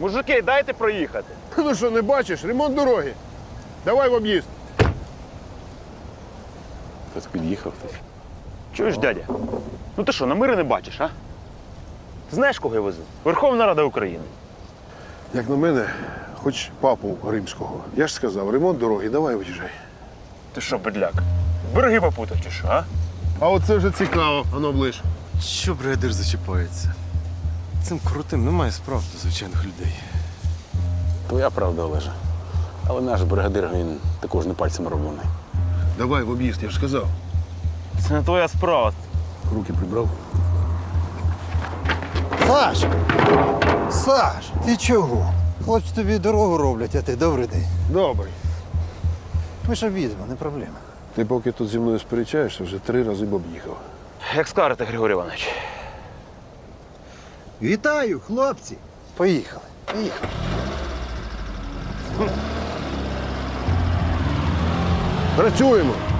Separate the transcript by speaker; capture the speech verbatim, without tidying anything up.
Speaker 1: Мужики, дайте проїхати.
Speaker 2: Ну що, не бачиш? Ремонт дороги. Давай в об'їзд.
Speaker 3: Хтось під'їхав хтось.
Speaker 1: Чуєш, дядя? Ну ти що, намири не бачиш, а? Ти знаєш, кого я везу? Верховна Рада України.
Speaker 2: Як на мене, хоч папу римського. Я ж сказав, ремонт дороги, давай виїжджай.
Speaker 1: Ти що, бедляк? Береги попутав чи що, а?
Speaker 2: А оце вже цікаво, ано ближ.
Speaker 4: Що бригадир зачіпається? Цим крутим немає справ до звичайних людей.
Speaker 3: Твоя правда, Олеже. Але наш бригадир, він також не пальцем роблений.
Speaker 2: Давай в об'їзд, я ж сказав.
Speaker 1: Це не твоя справа.
Speaker 2: Руки прибрав.
Speaker 5: Саш! Саш, ти чого? Хлопці тобі дорогу роблять, а ти добрий день.
Speaker 2: Добре.
Speaker 5: Ми ж об'їдемо, не проблема.
Speaker 2: Ти поки тут зі мною сперечаєшся, вже три рази б об'їхав.
Speaker 1: Як скажете, Григорій Іванович.
Speaker 5: Вітаю, хлопці! Поїхали, поїхали.
Speaker 2: Працюємо.